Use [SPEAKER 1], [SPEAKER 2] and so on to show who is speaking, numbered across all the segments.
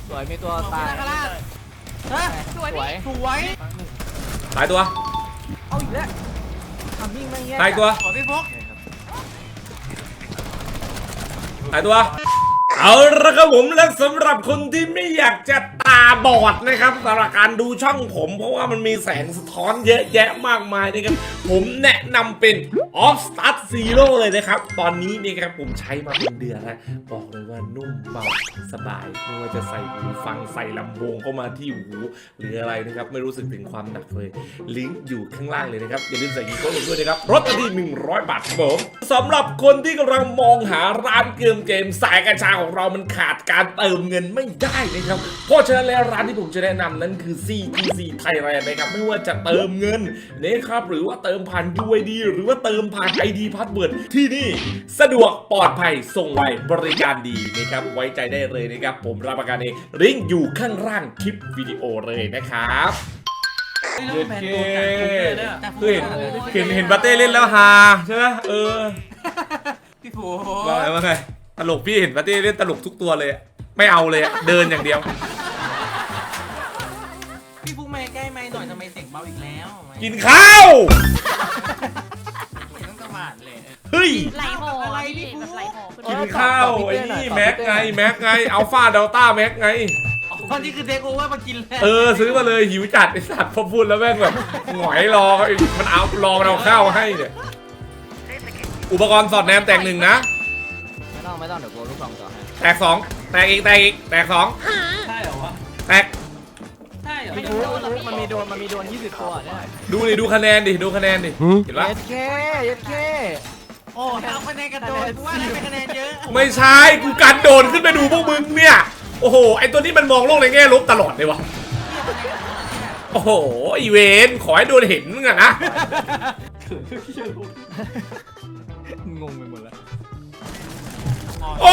[SPEAKER 1] สวยมีตัวตาย
[SPEAKER 2] สวย
[SPEAKER 3] ตายตัว
[SPEAKER 1] เอาอีกแล้วทำมิ่งไม่แย่
[SPEAKER 3] ตายตัว
[SPEAKER 2] สวยพี่ฟุก
[SPEAKER 3] ตายตัวเอาละครับผมและสำหรับคนที่ไม่อยากจะตาบอดนะครับสำหรับการดูช่องผมเพราะว่ามันมีแสงสะท้อนเยอะแยะมากมายนะครับผมแนะนำเป็น Off Start Zero เลยนะครับตอนนี้นี่ครับผมใช้มาเป็นเดือนแล้วบอกเลยว่านุ่มเบาสบายไม่ว่าจะใส่หูฟังใส่ลำโพงเข้ามาที่หูหรืออะไรนะครับไม่รู้สึกถึงความหนักเลยลิงก์อยู่ข้างล่างเลยนะครับอย่าลืมใส่กีโก้ลงด้วยนะครับลดที่100 บาทครับผมสำหรับคนที่กำลังมองหาร้านเกมสายกัญชาของเรามันขาดการเติมเงินไม่ได้นะครับเพราะฉะนั้นแล้วร้านที่ผมจะแนะนำนั้นคือ CTC Thailand นะครับไม่ว่าจะเติมเงินนะครับหรือว่าเติมผ่าน UID หรือว่าเติมผ่าน ID Password ที่นี่สะดวกปลอดภัยส่งไวบริการดีนะครับไว้ใจได้เลยนะครับผมรับประกันเองลิงก์อยู่ข้างล่างคลิปวิดีโอเลยนะครับเห็นบาเต้เล่นแล้วฮาใช่ไหม
[SPEAKER 2] พี่ฟุก
[SPEAKER 3] ว่าไงตลกพี่เห็นบาเต้เล่นตลกทุกตัวเลยไม่เอาเลยเดินอย่างเดียว
[SPEAKER 2] พี่ฟุกมาใกล้ไมค์หน่อยทำไมเสียงเบาอีกแล้ว
[SPEAKER 3] กินข้าว
[SPEAKER 2] ต้องกระหม่อมเลย
[SPEAKER 3] เฮ้ย
[SPEAKER 4] ไหลโห
[SPEAKER 2] อะไรพี่ฟุก
[SPEAKER 4] ไหลโห
[SPEAKER 3] กินข้าวไอ้นี่แม็กไงอัลฟาเดลต้าแม็กไง
[SPEAKER 2] ตอนนี้คือเทคโอเวอร์มากินแล้ว
[SPEAKER 3] ซื้อมาเลยหิวจัดไอ้สัตว์พอพูดแล้วแม่งแบบหงอยรอมันเอารอมันเอาข้าวให้เนี่ยอุปกรณ์สอดแนมแตก1นะ
[SPEAKER 1] ไม่ต้องเดี๋ยวกูลูกซองต่อให้
[SPEAKER 3] แตก2แตกอีกแตก2
[SPEAKER 2] ใช่เหรอวะ
[SPEAKER 3] แตก
[SPEAKER 2] ใช่เหรอ
[SPEAKER 1] ไม่รู้มันมีโดน20ตัวเนี่ย
[SPEAKER 3] ดูคะแนนดิเห็นปะ
[SPEAKER 1] เย็ดเค
[SPEAKER 2] โอ้เอาคะแนนกระโดดว่าได้เป็นคะแนนเยอะ
[SPEAKER 3] ไม่ใช่กูการโดนขึ้นไปดูพวกมึงเนี่ยโอ้โหไอตัวนี้มันมองโลกในแง่ลบตลอดเลยวะโอ้โหอีเวนขอให้โดนเห็นมึงอะนะ
[SPEAKER 1] งงไปหมดแล้ว
[SPEAKER 3] โอ้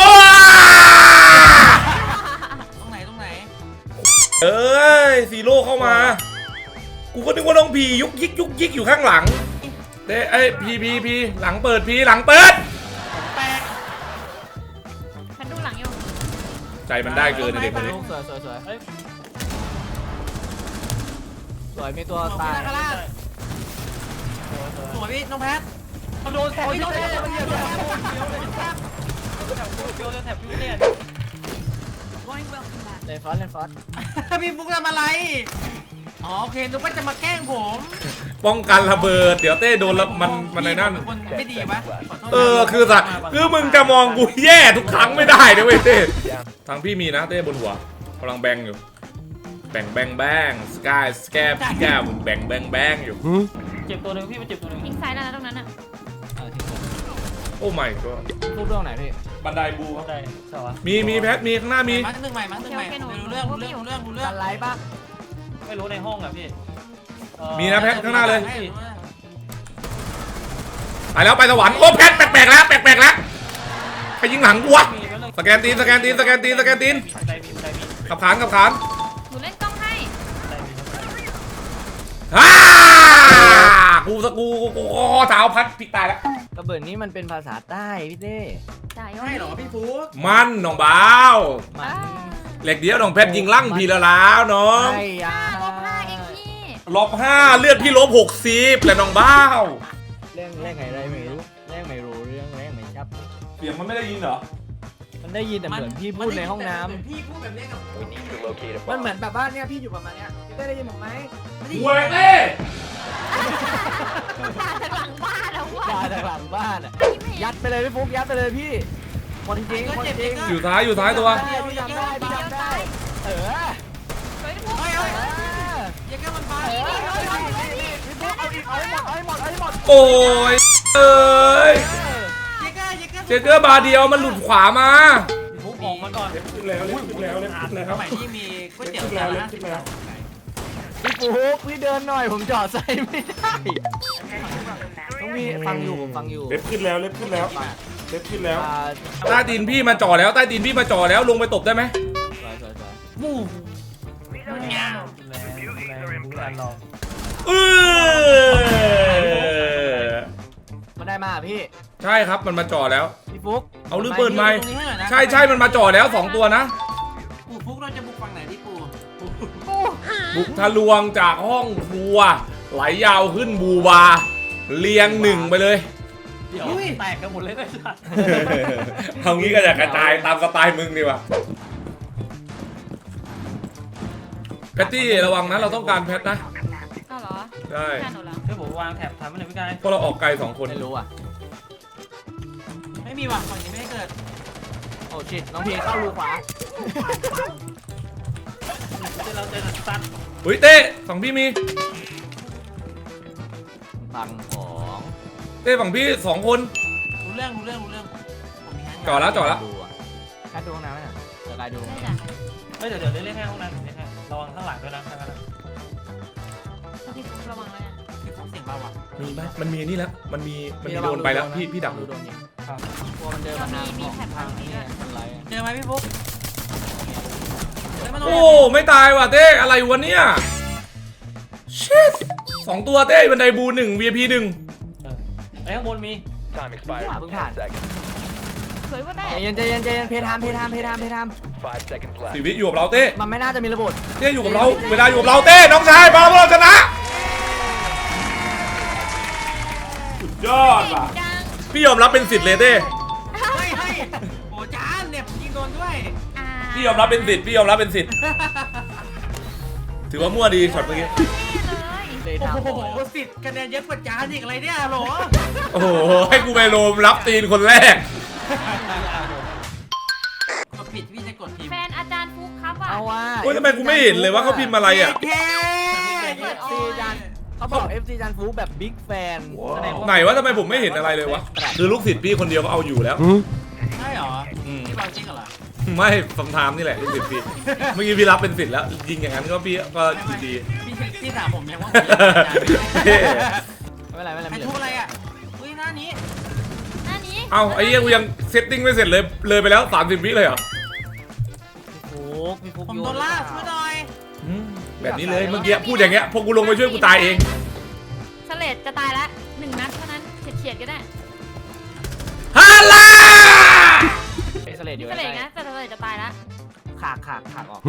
[SPEAKER 2] ตรงไหน
[SPEAKER 3] เอ้ยซีโร่เข้ามากูก็นึกว่าน้องพียุกยิกอยู่ข้างหลังไอ้พีหลังเปิดหลังเปิด
[SPEAKER 2] แปลก
[SPEAKER 4] ฉันดูหลังอยู่
[SPEAKER 3] ใจมันได้เกินเด็กคนนี้
[SPEAKER 1] สวยมีตัวตาย
[SPEAKER 2] สวยพี่น้องแพทโดนแถบพี่เนี่ย
[SPEAKER 1] เล่นฟอส
[SPEAKER 2] พี่ฟุกทำอะไรอ๋อโอเคนึกว่าจะมาแกล้งผม
[SPEAKER 3] ป้องกันระเบิดเดี๋ยวเต้โดนแล้วมันในนั่น
[SPEAKER 2] คนไม่ดีปะ
[SPEAKER 3] คือมึงจะมองกูแย่ทุกครั้งไม่ได้นะเว้ยเต้ทางพี่มีนะเต้บนหัวกำลังแบงอยู่แบงสกายสแกปพี่แก้วมึงแบงอยู่
[SPEAKER 2] เจ็บตัวนึงพี่มันเจ็บตัวนึง
[SPEAKER 4] ยิงซ้ายแล้วนะตรงนั้นอ่ะ
[SPEAKER 3] โอ้ไม่ก็
[SPEAKER 1] พูดเรื่องไหนพี่
[SPEAKER 3] บันไดบูครับ
[SPEAKER 2] ได้สวัสดี
[SPEAKER 3] มีแพทมีข้างหน้ามี
[SPEAKER 2] มาตึ้งใหม่รู้เรื่อง
[SPEAKER 1] กันไลป่ะ
[SPEAKER 2] ไม่รู้ในห้องอะพี่
[SPEAKER 3] มีนะแพทข้างหน้าเลยไปแล้วไปสวรรค์โอ้แพทแปลกแล้วไปยิงหลังกูวะสแกนตีนขับขาน
[SPEAKER 4] หนูเล่นกล้องให้
[SPEAKER 3] กูเท้าพัดพลิกตายแล้ว
[SPEAKER 1] กระเบิดนี้มันเป็นภาษาใต้พี่เต้
[SPEAKER 4] จ่าย
[SPEAKER 2] ใช่เหรอพี่ฟุก
[SPEAKER 3] มันน้องบ้าว
[SPEAKER 1] มัน
[SPEAKER 3] เหล็กเดียวน้องแพทยิงลั่งพีละแล้วน้อง
[SPEAKER 1] ใช่ยา
[SPEAKER 4] 5 เองพี่
[SPEAKER 3] -5เลือดพี่-60แล้วน้องบ้าว
[SPEAKER 1] เรื่องไงอะไรไม่รู้เรื่องไม่ไม่ชับ
[SPEAKER 3] เสียงมันไม่ได้ยินเหรอ
[SPEAKER 1] มันได้ยินแต่เหมือนพี่พูดในห้องน้ำ
[SPEAKER 2] พี่พูดแบบนี้กับ
[SPEAKER 1] มันเหมือนแบบว่าเนี่ยพี่อยู่ประมาณเนี้ยพี่ได้ยินผมไหม
[SPEAKER 3] หวยเต้
[SPEAKER 4] ด่าจากหลังบ้านแล้วว่ะ
[SPEAKER 1] ด่าจากหลังบ้านอะยัดไปเลยพี่ฟุ๊กยัดไปเลยพี่หมดจริง
[SPEAKER 3] อยู่ท้ายตัว
[SPEAKER 1] พี่ทำได้เออ
[SPEAKER 4] เฮ้ยพวก
[SPEAKER 2] ยังแค่มันพา
[SPEAKER 1] พี่ฟุ๊กเอาอีกเอาให้หมด
[SPEAKER 3] โอ้ยเอ้ย
[SPEAKER 2] ยัง
[SPEAKER 3] เจเกอร์บาเดียวมันหลุดขวามา
[SPEAKER 2] ฟุกออกมาก่อน
[SPEAKER 3] ขึ้นแล้ว
[SPEAKER 2] สมัยที่มีก๋วยเตี๋ยวจานละ50 บาท
[SPEAKER 1] พี่ฟุ๊กพี่เดินหน่อยผมจอดใส่ไม่ได้ต้องมีฟังอยู่
[SPEAKER 3] เล็บขึ้นแล้วใต้ตีนพี่มาจ่อแล้วลงไปตบได้ไหม
[SPEAKER 2] มู
[SPEAKER 1] มันได้มาพี่
[SPEAKER 3] ใช่ครับมันมาจ่อแล้ว
[SPEAKER 1] พี่ฟุ๊ก
[SPEAKER 3] เอาหรือเปิดไมค์ใช่มันมาจ่อแล้ว2ตัวนะ
[SPEAKER 2] ฟุกเราจะบุกฝั่ง
[SPEAKER 3] บุกทะลวงจากห้องครัวไหลยาวขึ้นบูบาเรียงหนึ่งไปเลย
[SPEAKER 1] เดี๋ยวแตกกันหมดเลยนะสัตว์
[SPEAKER 3] เอางี้ก็จะกระจายตามสไตล์มึงดีกว่าแพตตี้ระวังนะเราต้องการแพทนะ
[SPEAKER 4] อ้าวเหรอ
[SPEAKER 3] ใช่
[SPEAKER 4] แค่หนูเหรอ
[SPEAKER 1] เฮ้ยผมวางแถบทำอะไรพี่กาย
[SPEAKER 3] เพราะเราออกไกล2 คน
[SPEAKER 1] ไม่รู้อ่ะ
[SPEAKER 2] ไม่มีว่ะฝั่งนี้ไม่ได้เกิด
[SPEAKER 1] โอ้ชิตน้องพีเข้ารูขวา
[SPEAKER 2] เราเจอสั้น
[SPEAKER 3] เฮ้ยเต้ฝั่งพี่มี
[SPEAKER 1] ฟังของ
[SPEAKER 3] เต้ฝั่งพี่2 คน
[SPEAKER 2] รู้เรื่องผมมีให้
[SPEAKER 3] จอดแล้ว
[SPEAKER 1] ดูอ่ะแค่ดูห้องน้ำไม่หน่อยเดี๋ยวกายดู
[SPEAKER 4] ได้จ้ะ
[SPEAKER 5] เฮ้ยเดี๋ยวเล่นแค่ห้องน้ำเล่นแค่ระวังข้างหลังด้วยนะข้างหลัง
[SPEAKER 4] พี่ฟุ๊กระวังแล้วกัน
[SPEAKER 2] คือเสียงเบาอ่ะ
[SPEAKER 3] มีไหมมันมีนี่แล้วมันมีโดนไปแล้วพี่ดัก
[SPEAKER 1] ดูโดนยิงกลัวมันเดินมาทางนี้อะไร
[SPEAKER 2] เจอไหมพี่ฟุ๊กเจอไหมน้อง
[SPEAKER 3] โอ้ไม่ตายว่ะเต้อะไรวะเนี่ยชิต2 ตัวเต้บันไดบู 1 VIP 1
[SPEAKER 5] ไอ้ข้างบนมี
[SPEAKER 6] Time expired.
[SPEAKER 1] เพิ่งผ่าน
[SPEAKER 6] 10 seconds.
[SPEAKER 4] สวยกว่าได้
[SPEAKER 1] ใจเย็นเพทาม
[SPEAKER 6] 5 seconds left.
[SPEAKER 3] 4 วิอยู่กับเราเต้
[SPEAKER 1] มันไม่น่าจะมีระบบ
[SPEAKER 3] เต้อยู่กับเราเวลาอยู่กับเราเต้น้องชายมาพวกเราชนะสุดยอด
[SPEAKER 4] เก่ง
[SPEAKER 3] ว่ะ
[SPEAKER 4] จัง
[SPEAKER 3] พี่ยอมรับเป็นสิทธิ์เลยเต้
[SPEAKER 2] เฮ้ยโอ้จานเนี่ยผมยิงโดนด้วย
[SPEAKER 4] อ่า
[SPEAKER 3] พี่ยอมรับเป็นสิทธิ์พี่ยอมรับเป็นสิทธิ์ถือว่ามั่วดีช็อตเมื่อกี้
[SPEAKER 1] เพทาม
[SPEAKER 2] โอ้โหสิทธิ์คะแนนเยอะกว่าจานอีกอะไรเนี่ยโหล
[SPEAKER 3] โอ้โหให้กูไปโรมรับตีนคนแรก
[SPEAKER 2] กดผิดพี่จะกดพิมพ์
[SPEAKER 4] แฟนอาจารย์ฟุ๊กครับอ่ะ
[SPEAKER 1] เอาว่า
[SPEAKER 3] โอ้ยทำไมกูไม่เห็นเลยว่าเขาพิมพ์อะไรอ่ะ
[SPEAKER 2] เย้
[SPEAKER 1] FC จานเขาบอก FC จานฟูแบบบิ๊กแฟน
[SPEAKER 3] ไหนวะทำไมผมไม่เห็นอะไรเลยวะคือลูกศิษย์พี่คนเดียวก็เอาอยู่แล้ว
[SPEAKER 2] ใช่เหรอ
[SPEAKER 3] อืม
[SPEAKER 2] พี่บอลจริงเหรอ
[SPEAKER 3] ไม่คำถามนี่แหละลูกศิษย์พี่เมื่อกี้พี่รับเป็นศิษย์แล้วยิงอย่างนั้นก็พี่ก็ดี
[SPEAKER 2] พี่ถามผมยังว่าผมยังอาจารย์
[SPEAKER 3] เท่
[SPEAKER 1] ไม่เป็นไร
[SPEAKER 2] ไอ้ทุกอะไรอ่ะอุ้ยหน้านี้
[SPEAKER 4] หน้านี้
[SPEAKER 3] เอ้าไอ้เหี้ยกูยังเซตติ้งไม่เสร็จเลยไปแล้ว30 วิเลยเหรอ
[SPEAKER 1] พี่ฟุก
[SPEAKER 2] ผมโดนล่าช่วยหน่อย
[SPEAKER 3] อืมแบบนี้เลยเมื่อกี้พูดอย่างเงี้ยพอกูลงไปช่วยกูตายเอง
[SPEAKER 4] เฉลดจะตายละ1 นัดเท่านั้นเฉียดๆก็ได้
[SPEAKER 3] ฮัลโหล
[SPEAKER 1] เอ็กซ์เลดอยู่
[SPEAKER 4] เฉลดนะแต่เฉลดจะตายละ
[SPEAKER 1] ขากออก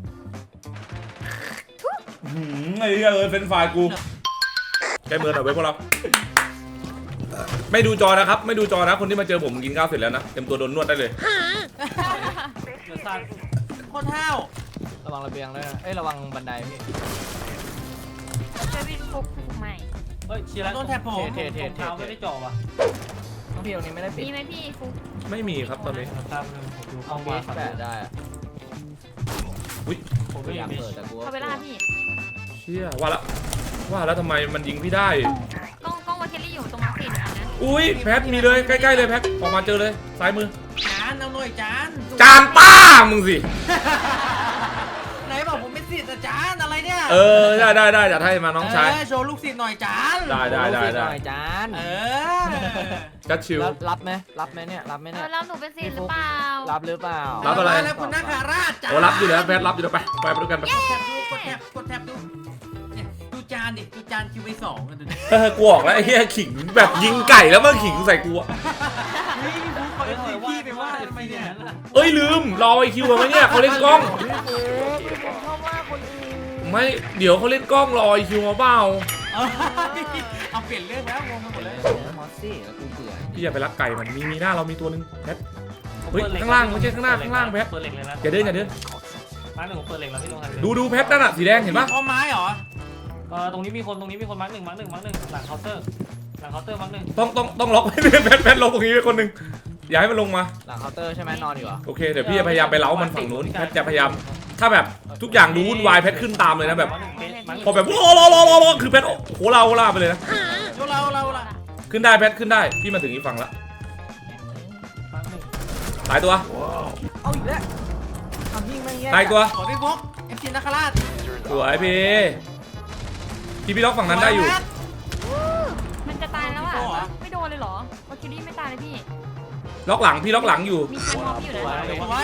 [SPEAKER 3] ไอ้เหี้ยเป็นไฟล์กูแกมือหน่อยไว้พวกเราไม่ดูจอนะครับไม่ดูจอนะคนที่มาเจอผมกินข้าวเสร็จแล้วนะเต็มตัวโดนนวดได้เลย
[SPEAKER 5] เดี๋ยวสั้น
[SPEAKER 2] โคตรห้าว
[SPEAKER 1] ระวังระเบียงด้วยนะเอ้ยระวังบันไดพี่
[SPEAKER 4] เจอพี่ฟุ๊กใหม่
[SPEAKER 5] เฮ้ยเชียร์แล้ว
[SPEAKER 2] โดนแทบผม
[SPEAKER 1] เท
[SPEAKER 5] เท้าไม่ได้จ่อว่ะ
[SPEAKER 1] น้องพี่ตรงนี้ไม่ได้ปิด
[SPEAKER 4] มีไหมพี่ฟุ๊ก
[SPEAKER 3] ไม่มีครับตอนนี้
[SPEAKER 5] ตามเลยผมดู
[SPEAKER 1] ห้
[SPEAKER 5] เข้า
[SPEAKER 1] อง
[SPEAKER 5] มา
[SPEAKER 1] นี้แปะได้อะ
[SPEAKER 3] อุ้ย
[SPEAKER 5] ผม
[SPEAKER 1] ไม่
[SPEAKER 5] ไม่อยาก ก
[SPEAKER 1] อายเปิ
[SPEAKER 5] เปิ
[SPEAKER 1] ด
[SPEAKER 5] ด
[SPEAKER 1] แต่กู
[SPEAKER 4] เข้าไปล่าพี่
[SPEAKER 3] เชี่ยว่าแล้วทำไมมันยิงพี่ได้
[SPEAKER 4] กล้องวาเคลลี่อยู่ตรงมาร์ค4นะ
[SPEAKER 3] อุ้ยแพทมีเลยใกล้ๆเลยแพทออกมาเจอเลยซ้ายมือ
[SPEAKER 2] จานเอาหน่อยจาน
[SPEAKER 3] จานป้ามึงสิ
[SPEAKER 2] ไหนบอกผมเป็นศิษย์อาจารย์อะไรเนี่ย
[SPEAKER 3] เออได้จัดให้มาน้องชาย
[SPEAKER 2] โชว์ลูกศิษย์หน่อยจาน
[SPEAKER 3] ได้
[SPEAKER 1] หน่อยจาน
[SPEAKER 2] เออ
[SPEAKER 3] จัดชิว
[SPEAKER 1] รับไหมเนี่ยรับไหม
[SPEAKER 4] เอ
[SPEAKER 1] เนี่ย
[SPEAKER 4] อแล้วหนูเป็นซีนหรือเปล่า
[SPEAKER 1] รับหรือเปล่า
[SPEAKER 3] รับอะไร
[SPEAKER 2] แล้วคุณนาคาราชจาน
[SPEAKER 3] โอ้รับอยู่แล้วแพทรับอยู่แล้วไปด้วยกันไป
[SPEAKER 2] แท็บดูกดแท็บดูเนี่ยดูจานดิดูจานคิวไป2กันดูดิ
[SPEAKER 3] กูออกแล้วไอ้เหี้ยขิงแบบยิงไก่แล้วมันขิงใส่กูอะ
[SPEAKER 2] นี่ดูคอยพี่ไปว่าทำไมเนี่ย
[SPEAKER 3] เอ้ยลืมรอไอคิวมาไหมเนี่ยเขาเล่นกล้อง
[SPEAKER 1] ชอบว่าคนอื่น
[SPEAKER 3] ไม่เดี๋ยวเขาเล่นกล้องรอไอคิวมาเปล่า
[SPEAKER 2] เอาเปลี่ยนเรื่องแล้วงงไปหมดเลย
[SPEAKER 1] มอสซี่แล้วกูเบื่อ
[SPEAKER 3] พี่อย่าไปรักไก่มันมีหน้าเรามีตัวนึงแพท เฮ้ยข้างล่างไม่ใช่ข้างหน้าข้างล่างแพท
[SPEAKER 5] เปิดเหล็กเลยนะ
[SPEAKER 3] อย่าเดิน
[SPEAKER 5] มาร์ค 1ผมเปิดเหล็กแล้วพี่ลงทัน
[SPEAKER 3] ดูแพทนั่นอะสีแดงเห็นปะ
[SPEAKER 2] เพราะไม้เหรอ
[SPEAKER 5] ตรงนี้มีคนมาร์คหนึ่งหลังเคาน์เตอร์มาร์ค 1
[SPEAKER 3] ต้องล็อกให้แพทล็อกตรงนี้ไว้คนหนึงอย่าให้มันลงมา
[SPEAKER 1] หลังเคาน์เตอร์ใช่ไหมนอนอยู่อ่ะ
[SPEAKER 3] โอเคเดี๋ยวพี่จะพยายามไปเล้ามันฝั่งนู้นแพทจะพยายามถ้าแบบทุกอย่างดูวุ่นวายแพทขึ้นตามเลยนะแบบพอแบบรอคือแพทโหลาไปเลยนะ
[SPEAKER 2] เรา
[SPEAKER 3] ขึ้นได้แพทขึ้นได้พี่มาถึงอีกฝั่งละ
[SPEAKER 5] มาร์ค 1
[SPEAKER 3] ตายตัว
[SPEAKER 1] เอาอีกแล้วทำยิ่งไม่แย่
[SPEAKER 3] ตายตัว
[SPEAKER 2] ขอพี่พกเอฟซีนาคาราช
[SPEAKER 3] สวยพี่ล็อกฝั่งนั้นได้อยู่
[SPEAKER 4] มันจะตายแล้วอ่ะไม่โดนเลยเหรอวาเคลลี่ไม่ตายเลยพี่
[SPEAKER 3] ล็อกหลังพี่ล็อกหลังอยู่
[SPEAKER 4] มีเชนมอบอยู่
[SPEAKER 1] สวย
[SPEAKER 4] นะ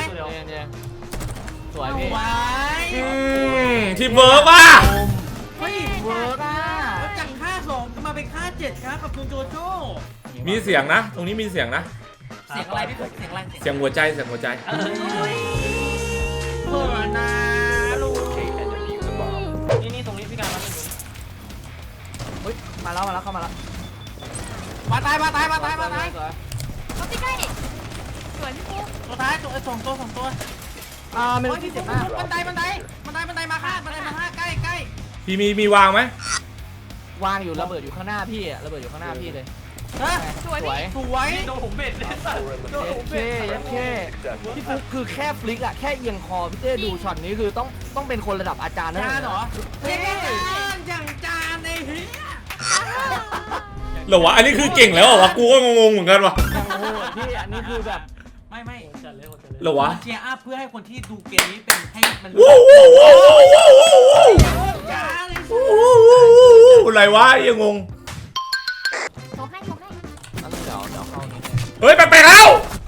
[SPEAKER 1] สวยพี่
[SPEAKER 2] ไว้
[SPEAKER 3] ทีมเวิร์กป่ะ
[SPEAKER 2] เฮ้ย
[SPEAKER 1] เวิร์กอ่ะ
[SPEAKER 2] แล้วจากค่า2ก็มาเป็นค่า7ครับกับคุณโจโจ้
[SPEAKER 3] มีเสียงนะ ตรงนี้มีเสียงนะ
[SPEAKER 2] เสียงอะไรพี่พกเสียงอะไร
[SPEAKER 3] เสียงหัวใจเสียงหัวใจ
[SPEAKER 2] เปิดนะลูก
[SPEAKER 6] Locate and defuse the bomb.
[SPEAKER 1] มาแล้วเข้ามาแล้ว
[SPEAKER 2] มาตาย
[SPEAKER 1] สวย
[SPEAKER 4] เขาใกล้สวยพี่ปุ๊ก
[SPEAKER 2] ตัวท้ายตัวสองตัว
[SPEAKER 1] เมโล
[SPEAKER 2] โอ้ย
[SPEAKER 1] ดี้
[SPEAKER 2] พี่
[SPEAKER 1] เจ็บ
[SPEAKER 2] ฟุ๊
[SPEAKER 1] มาก
[SPEAKER 2] บันไดมาฆ่าใกล้
[SPEAKER 3] พี่มีวางไหม
[SPEAKER 1] วางอยู่ระเบิดอยู่ข้างหน้าพี่อะระเบิดอยู่ข้างหน้าพี่เลย
[SPEAKER 2] เฮ้ย
[SPEAKER 4] สวย
[SPEAKER 1] สวย
[SPEAKER 2] สวย
[SPEAKER 5] โดนผมเบ็ดเลย
[SPEAKER 1] เย้เคพี่ฟุ๊กคือแค่ฟลิกอะแค่เอียงคอพี่เต้ดูช็อตนี้คือต้องเป็นคนระดับอาจารย์นะ
[SPEAKER 2] จานเหรอเฮ้ยอย่างจานไอ้เหี้ย
[SPEAKER 3] เหรอวะอันนี้คือเก่งแล้วเหรอวะกูก็งงๆเหมือนกันวะ
[SPEAKER 1] ยังโหดพี่อันนี้คือแบบ
[SPEAKER 2] ไม่
[SPEAKER 5] จัดเลยจัดเลย
[SPEAKER 3] เหรอวะ
[SPEAKER 2] เชียร์อัพเพื่อให้คนที่ดูเกมนี้เป็นให้มัน
[SPEAKER 3] ว้าวว้าวว้าวว้าวว้าว
[SPEAKER 2] จานเลย
[SPEAKER 3] อะไรวะยังงง
[SPEAKER 4] โชว์ให้
[SPEAKER 1] เดี๋ยวเข้านี่
[SPEAKER 3] เฮ้ยไปแล้ว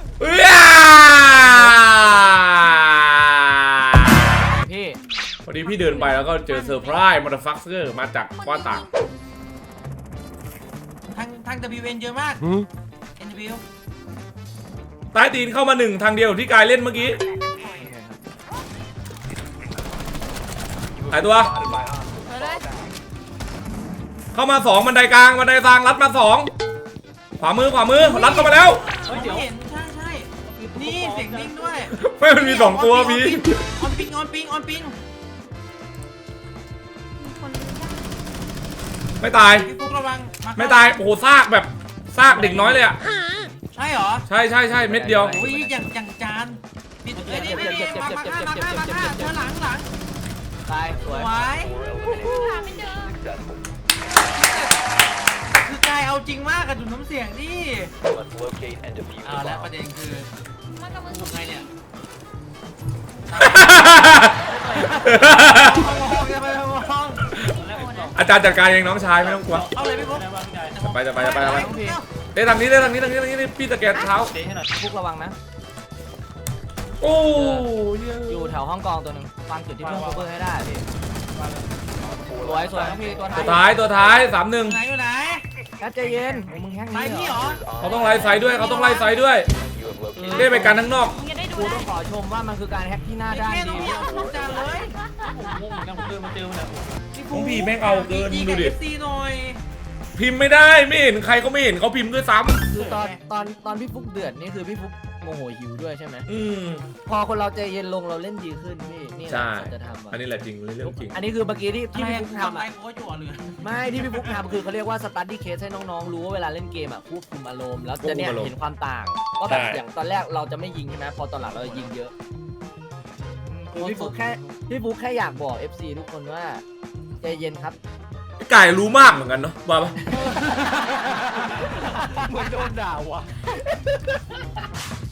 [SPEAKER 1] พี่
[SPEAKER 3] พอดีพี่เดินไปแล้วก็เจอเซอร์ไพรส์มอเตอร์ฟัคเซอร์มาจากกว้านต่าง
[SPEAKER 2] ทาง WN เยอะมาก NW
[SPEAKER 3] ใต้ตีนเข้ามาหนึ่งทางเดียวที่กายเล่นเมื่อกี้หายตัว
[SPEAKER 4] สวยเลย
[SPEAKER 3] เข้ามาสองบันไดกลางบันไดทางลัดมาสองขวามือลัดเข้ามาแล้ว
[SPEAKER 2] เฮ้ยเห็นใช่นี่เสียงดิ้งด้วย
[SPEAKER 3] ไม่มันมีสองตัวพี่
[SPEAKER 2] ออนปิง
[SPEAKER 4] มีคนรู้จัก
[SPEAKER 3] ไม่ตาย
[SPEAKER 2] พี่ฟุ๊กระวัง
[SPEAKER 3] ไม่ตายโอ้โหซากแบบซากเด็กน้อยเลยอ่ะ
[SPEAKER 2] ใช่เหรอ
[SPEAKER 3] ใช่เม็ดเดียว
[SPEAKER 2] อุ้ยอย่างจานปิดเลยนี่มาฆ่าเธอหลัง
[SPEAKER 1] ตายส
[SPEAKER 2] ส
[SPEAKER 1] วย
[SPEAKER 2] วย
[SPEAKER 4] หาไม่เจอ
[SPEAKER 2] คือกายเอาจริงมากกับดูน้ำเสียงดิ
[SPEAKER 6] Must locate and defuse
[SPEAKER 2] เอา
[SPEAKER 6] the
[SPEAKER 2] แล้ว
[SPEAKER 6] bomb.
[SPEAKER 2] ประเด็นคือ
[SPEAKER 4] มันกับมึง
[SPEAKER 2] ไงเนี่ย
[SPEAKER 3] อาจารย์จัดการเองน้องชายไม่ต้องกลัว
[SPEAKER 2] เอาเลยพี่ฟุ๊ก
[SPEAKER 5] ได้บ้างพี่กาย
[SPEAKER 3] ไป
[SPEAKER 1] น้องพี่
[SPEAKER 3] เด้ทางนี้พี่ตะแกรงเท้า
[SPEAKER 5] เตะให้หน่อย
[SPEAKER 1] ฟุกระวังนะ
[SPEAKER 3] โอ้
[SPEAKER 1] อยู่แถวห้องกองตัวหนึ่งฟังจุดที่เพื่อนโคเวอร์ให้ได้พี่สวยน้องพี่ตัว
[SPEAKER 3] ตัว
[SPEAKER 1] ท้าย
[SPEAKER 3] ท้าย3-1
[SPEAKER 2] อยู่ไหน
[SPEAKER 1] กัดใจเย็นมึงแฮก
[SPEAKER 2] ไหน
[SPEAKER 1] นี้
[SPEAKER 2] พี่
[SPEAKER 1] เห
[SPEAKER 2] เห
[SPEAKER 1] ร
[SPEAKER 2] ร
[SPEAKER 1] อ
[SPEAKER 2] อ
[SPEAKER 3] เขาต้องไล่ไซด์ด้วย
[SPEAKER 6] You have located.
[SPEAKER 3] ได้ไปกันข้างนอก
[SPEAKER 4] มึงจะได้ดู
[SPEAKER 1] กู
[SPEAKER 4] ได้
[SPEAKER 1] ต้องขอชมว่ามันคือการแฮกที่หน้าด้าน
[SPEAKER 2] แค่
[SPEAKER 1] ดี
[SPEAKER 2] ต้องเอาทุกจานเลย
[SPEAKER 5] ผมงงเหมือนกันผมเดินมาเจอมันเนี่ย
[SPEAKER 3] ของพี่แม่งเอาเกินดูดิ
[SPEAKER 2] ซีหน่อย
[SPEAKER 3] พิมพ์ไม่ได้ไม่เห็นใครเขาไม่เห็นเขาพิมพ์ด้วยซ้
[SPEAKER 1] คือตอนพี่ฟุกเดือดนี่คือพี่ฟุกโมโหหิวด้วยใช่ไหม
[SPEAKER 3] ำ
[SPEAKER 1] พอคนเราใจเย็นลงเราเล่นดีขึ้นพี่นี่แหละ
[SPEAKER 3] ใช่
[SPEAKER 1] จะทำ
[SPEAKER 3] อันนี้แหละจริงเรื่องจริง
[SPEAKER 1] อันนี้คือเมื่อกี้ที่
[SPEAKER 2] อะไร
[SPEAKER 1] พี่
[SPEAKER 2] กู
[SPEAKER 1] ฟุก
[SPEAKER 2] ทำ
[SPEAKER 1] ทำ
[SPEAKER 2] อะไร
[SPEAKER 1] อะ
[SPEAKER 2] กูก็จั่วเลย
[SPEAKER 1] ไม่ที่พี่ฟุกทำคือเขาเรียกว่าสตัดดี้เคสให้น้องๆรู้ว่าเวลาเล่นเกมอ่ะควบคุมอารมณ์แล้วจะเนี่ยเห็นความต่างว่าแบบอย่างตอนแรกเราจะไม่ยิงใช่ไหมพอตอนหลังเราจะยิงเยอะคือพี่ฟุกแค่อยากบอก FC ทุกคนว่าใจเย็นครับ
[SPEAKER 3] ไก่รู้มากเหมือนกันเนาะว่าปะ
[SPEAKER 1] เหมือนโดนด่าว่ะ